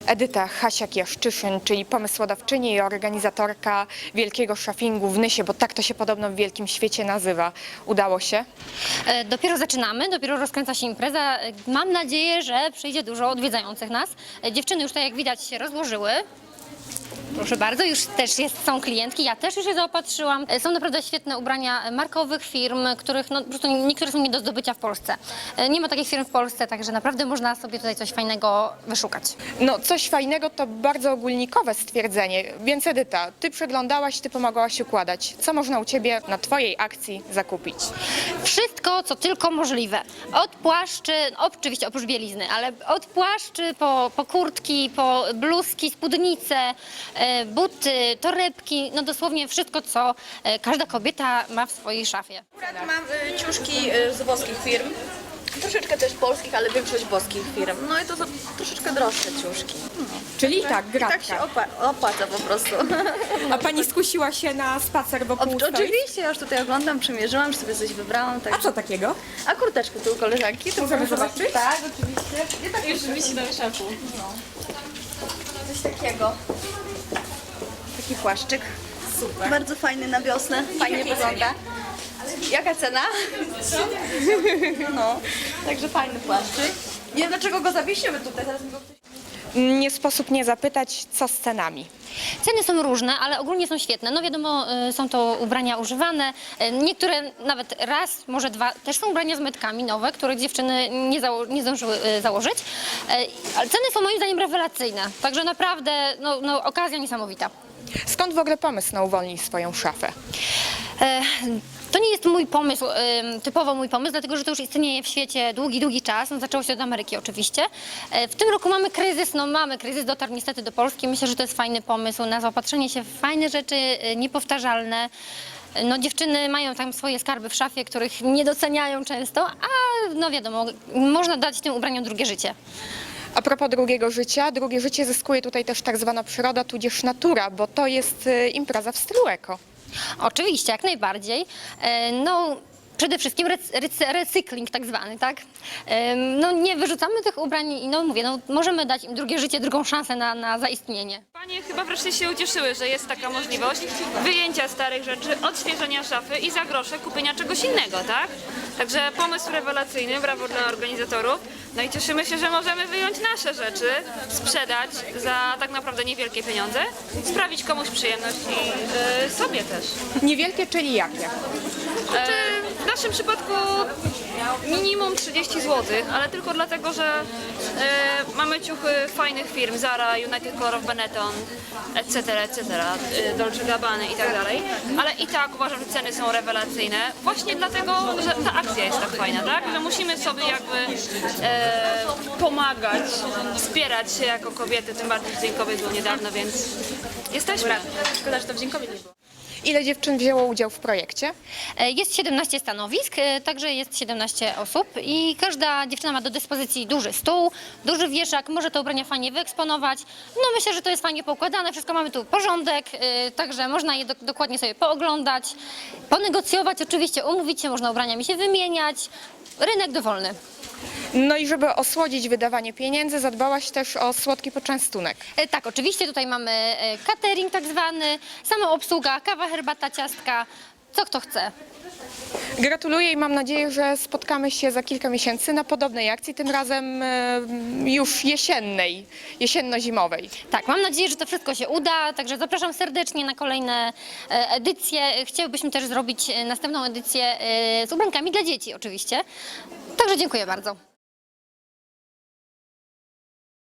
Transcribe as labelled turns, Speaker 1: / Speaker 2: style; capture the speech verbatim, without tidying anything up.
Speaker 1: Edyta Hasiak-Jaszczyszyn, czyli pomysłodawczyni i organizatorka Wielkiego Szafingu w Nysie, bo tak to się podobno w wielkim świecie nazywa. Udało się?
Speaker 2: E, Dopiero zaczynamy, dopiero rozkręca się impreza. E, Mam nadzieję, że przyjdzie dużo odwiedzających nas. E, Dziewczyny już, tak jak widać, się rozłożyły. Proszę bardzo, już też jest, są klientki, ja też już je zaopatrzyłam. E, Są naprawdę świetne ubrania markowych firm, których no, po prostu niektóre są nie do zdobycia w Polsce. E, Nie ma takich firm w Polsce, także naprawdę można sobie tutaj coś fajnego wyszukać.
Speaker 1: No coś fajnego to bardzo ogólnikowe stwierdzenie, więc Edyta, ty przeglądałaś, ty pomagałaś układać. Co można u ciebie na twojej akcji zakupić?
Speaker 2: Wszystko, co tylko możliwe. Od płaszczy, oczywiście oprócz bielizny, ale od płaszczy po, po kurtki, po bluzki, spódnice, e, buty, torebki, no dosłownie wszystko, co e, każda kobieta ma w swojej szafie.
Speaker 3: Akurat mam y, ciuszki y, z włoskich firm, troszeczkę też polskich, ale większość włoskich firm. No i to są troszeczkę droższe ciuszki.
Speaker 1: Czyli tak,
Speaker 3: I tak się opa- opłaca po prostu.
Speaker 1: A pani skusiła się na spacer wokół
Speaker 3: O, oczywiście, ja już tutaj oglądam, przymierzyłam, już sobie coś wybrałam. Tak.
Speaker 1: A co takiego?
Speaker 3: A kurteczkę tu u koleżanki. Tu
Speaker 1: Możemy
Speaker 3: proszę.
Speaker 1: zobaczyć?
Speaker 3: Tak, oczywiście. I tak już wisi na szafu. No. Coś takiego. Taki płaszczyk. Super. Bardzo fajny na wiosnę, fajnie wygląda. Jaka cena? No, także fajny płaszczyk. Nie wiem dlaczego go zawiesimy tutaj, zaraz mi go ktoś...
Speaker 1: Nie sposób nie zapytać, co z cenami.
Speaker 2: Ceny są różne, ale ogólnie są świetne. No wiadomo, y, są to ubrania używane. Y, Niektóre nawet raz, może dwa, też są ubrania z metkami nowe, których dziewczyny nie, zało nie zdążyły y, założyć. Y, Ale ceny są moim zdaniem rewelacyjne. Także naprawdę no, no, okazja niesamowita.
Speaker 1: Skąd w ogóle pomysł na uwolnij swoją szafę?
Speaker 2: E, To nie jest mój pomysł, e, typowo mój pomysł, dlatego że to już istnieje w świecie długi, długi czas. No, zaczęło się od Ameryki oczywiście. E, W tym roku mamy kryzys, no mamy kryzys, dotarł niestety do Polski. Myślę, że to jest fajny pomysł na zaopatrzenie się w fajne rzeczy, e, niepowtarzalne. No, dziewczyny mają tam swoje skarby w szafie, których nie doceniają często, a no wiadomo, można dać tym ubraniom drugie życie.
Speaker 1: A propos drugiego życia, drugie życie zyskuje tutaj też tak zwana przyroda, tudzież natura, bo to jest y, impreza w stylu eko.
Speaker 2: Oczywiście, jak najbardziej. E, No, przede wszystkim rec rec recykling tak zwany, tak? E, No, nie wyrzucamy tych ubrań i no mówię, no, możemy dać im drugie życie, drugą szansę na, na zaistnienie.
Speaker 4: Panie chyba wreszcie się ucieszyły, że jest taka możliwość wyjęcia starych rzeczy, odświeżenia szafy i za grosze kupienia czegoś innego, tak? Także pomysł rewelacyjny, brawo dla organizatorów. No i cieszymy się, że możemy wyjąć nasze rzeczy, sprzedać za tak naprawdę niewielkie pieniądze, sprawić komuś przyjemność i y, sobie też.
Speaker 1: Niewielkie, czyli jakie?
Speaker 4: E, w naszym przypadku minimum trzydzieści złotych, ale tylko dlatego, że e, mamy ciuchy fajnych firm, Zara, United Color of Benetton, et cetera, et cetera, e, Dolce Gabbany i tak dalej, ale i tak uważam, że ceny są rewelacyjne, właśnie dlatego, że ta akcja jest tak fajna, tak? Że musimy sobie jakby e, pomagać, wspierać się jako kobiety, tym bardziej że Dzień Kobiet był niedawno, więc jesteśmy. Szkoda, że to w Dzień Kobiet nie było.
Speaker 1: Ile dziewczyn wzięło udział w projekcie?
Speaker 2: E, Jest siedemnaście stanowisk, e, także jest siedemnaście osób i każda dziewczyna ma do dyspozycji duży stół, duży wieszak, może te ubrania fajnie wyeksponować. No myślę, że to jest fajnie poukładane, wszystko mamy tu porządek, e, także można je do, dokładnie sobie pooglądać, ponegocjować, oczywiście umówić się, można ubraniami się wymieniać. Rynek dowolny.
Speaker 1: No i żeby osłodzić wydawanie pieniędzy, zadbałaś też o słodki poczęstunek.
Speaker 2: E, Tak, oczywiście tutaj mamy e, catering tak zwany, sama obsługa, kawa, herbata, ciastka, co kto chce.
Speaker 1: Gratuluję i mam nadzieję, że spotkamy się za kilka miesięcy na podobnej akcji, tym razem e, już jesiennej, jesienno-zimowej.
Speaker 2: Tak, mam nadzieję, że to wszystko się uda, także zapraszam serdecznie na kolejne e, edycje. Chcielibyśmy też zrobić e, następną edycję e, z ubrankami dla dzieci oczywiście. Także dziękuję bardzo.